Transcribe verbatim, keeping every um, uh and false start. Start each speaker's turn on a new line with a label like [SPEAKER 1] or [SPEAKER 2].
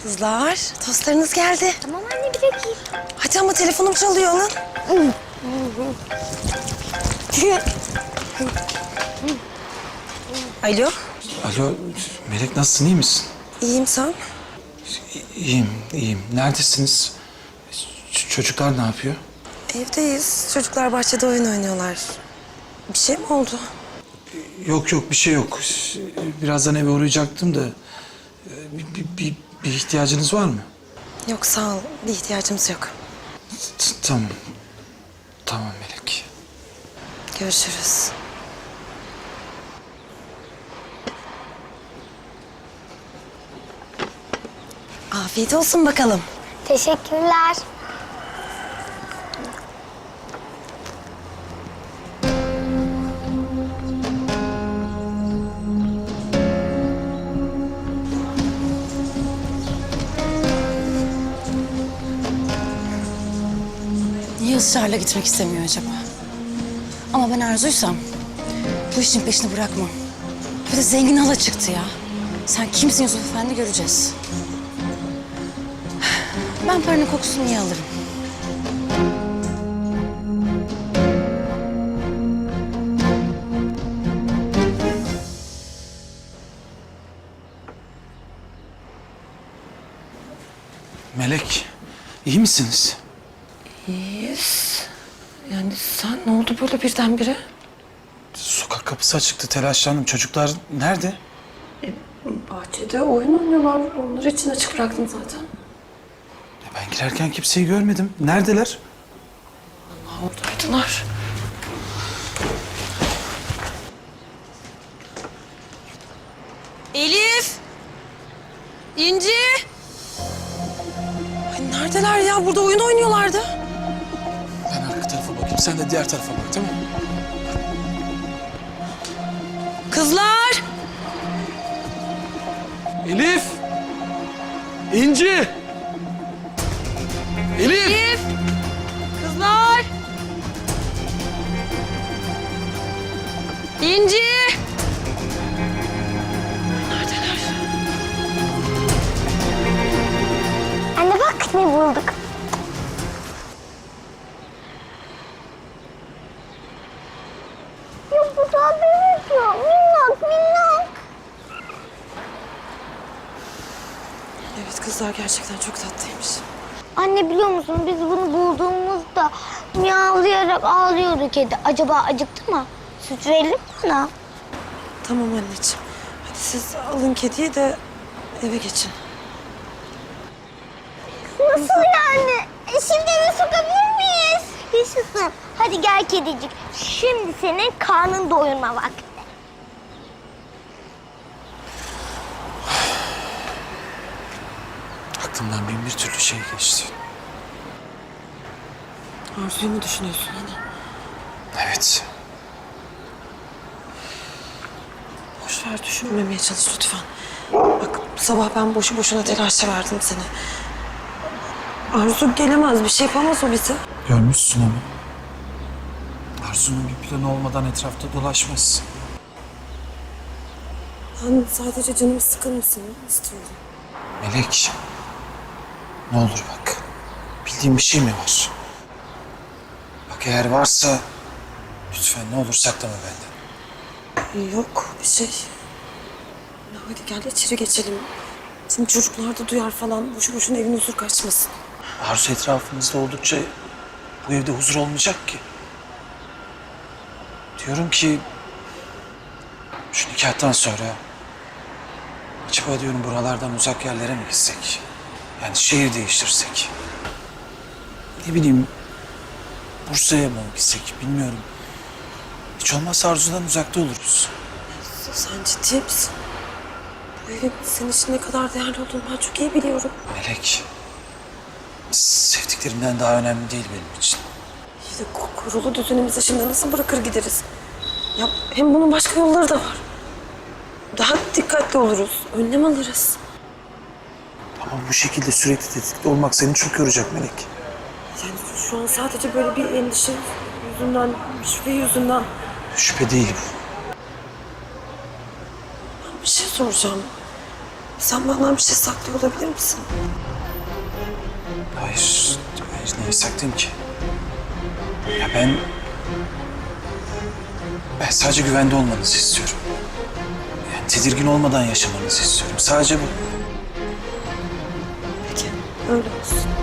[SPEAKER 1] Kızlar, tostlarınız geldi.
[SPEAKER 2] Tamam anne, bir dakika.
[SPEAKER 1] Hadi ama telefonum çalıyor alın. Alo,
[SPEAKER 3] Alo, Melek nasılsın, iyi misin?
[SPEAKER 1] iyiyim sen?
[SPEAKER 3] İyiyim, iyiyim. Neredesiniz? Ç- çocuklar ne yapıyor?
[SPEAKER 1] Evdeyiz. Çocuklar bahçede oyun oynuyorlar. Bir şey mi oldu?
[SPEAKER 3] Yok yok, bir şey yok. Birazdan eve uğrayacaktım da... Bir, bir, bir, bir ihtiyacınız var mı?
[SPEAKER 1] Yok sağ ol, bir ihtiyacımız yok.
[SPEAKER 3] T- Tamam. Tamam Melek.
[SPEAKER 1] Görüşürüz. Afiyet olsun bakalım.
[SPEAKER 2] Teşekkürler.
[SPEAKER 4] Niye ısrarla gitmek istemiyor acaba? Ama ben Arzu'ysam bu işin peşini bırakmam. Bir de zengin hala çıktı ya. Sen kimsin Yusuf Efendi göreceğiz. Ben paranın kokusunu niye alırım?
[SPEAKER 3] Melek, iyi misiniz?
[SPEAKER 1] İyiyiz. Yani sen ne oldu böyle birdenbire?
[SPEAKER 3] Sokak kapısı açıktı, telaşlandım. Çocuklar nerede?
[SPEAKER 1] Bahçede oyun oynuyorlar. Onları için açık bıraktım zaten.
[SPEAKER 3] Ya ben girerken kimseyi görmedim. Neredeler?
[SPEAKER 1] Oradaydılar. Elif! İnci! Ay neredeler ya? Burada oyun oynuyorlardı.
[SPEAKER 3] Ben arka tarafa bakayım, sen de diğer tarafa bak, tamam mı?
[SPEAKER 1] Kızlar!
[SPEAKER 3] Elif! İnci! Elif!
[SPEAKER 1] Elif! Kızlar! İnci! Neredeler?
[SPEAKER 2] Anne bak ne bulduk. Ya bu da bebek ya. Minnak minnak.
[SPEAKER 1] Evet kızlar gerçekten çok tatlıymış.
[SPEAKER 2] Anne biliyor musun biz bunu bulduğumuzda miyavlayarak ağlıyordu kedi. Acaba acıktı mı? Süt verelim mi ona?
[SPEAKER 1] Tamam anneciğim. Hadi siz alın kediyi de eve geçin.
[SPEAKER 2] Nasıl yani? E şimdi eve sokabilir miyiz? Yaşasın. Hadi gel kedicik. Şimdi senin karnın doyurma vakti.
[SPEAKER 3] Aklımdan bin bir türlü şey geçti.
[SPEAKER 1] Arzuyu mu düşünüyorsun yine?
[SPEAKER 3] Evet.
[SPEAKER 1] Boş ver düşünmemeye çalış lütfen. Bak sabah ben boşu boşuna telaşa verdim seni. Arzu gelemez, bir şey yapamaz o bize.
[SPEAKER 3] Görmüşsün ama. Arzu'nun bir planı olmadan etrafta dolaşmaz.
[SPEAKER 1] Ben sadece canım sıkılmasın istiyorum.
[SPEAKER 3] Melek. Ne olur bak. Bildiğin bir şey mi var? Bak eğer varsa lütfen ne olur saklama benden.
[SPEAKER 1] Yok bir şey. Ya hadi gel içeri geçelim. Şimdi çocuklar da duyar falan. Boşu boşuna evin huzur kaçmasın.
[SPEAKER 3] Arzu etrafımızda oldukça bu evde huzur olmayacak ki. Diyorum ki şu nikahtan sonra acaba diyorum buralardan uzak yerlere mi gitsek? Yani şehir değiştirsek. Ne bileyim Bursa'ya mı gitsek bilmiyorum. Hiç olmazsa Arzu'dan uzakta oluruz.
[SPEAKER 1] Sen ciddi misin? Bu evin senin için ne kadar değerli olduğunu ben çok iyi biliyorum.
[SPEAKER 3] Melek, sevdiklerimden daha önemli değil benim için.
[SPEAKER 1] İyi de kurulu düzenimizi şimdi nasıl bırakır gideriz? Ya hem bunun başka yolları da var. Daha dikkatli oluruz, önlem alırız.
[SPEAKER 3] Ama bu şekilde sürekli tetikte olmak seni çok yoracak Melek.
[SPEAKER 1] Yani şu an sadece böyle bir endişe yüzünden, bir şüphe yüzünden.
[SPEAKER 3] Şüphe değil bu.
[SPEAKER 1] Bir şey soracağım. Sen benden bir şey saklıyor olabilir misin?
[SPEAKER 3] Hayır, hayır neyi saklayayım ki? Ya ben... Ben sadece güvende olmanızı istiyorum. Yani tedirgin olmadan yaşamanızı istiyorum. Sadece bu.
[SPEAKER 1] Peki, öyle olsun.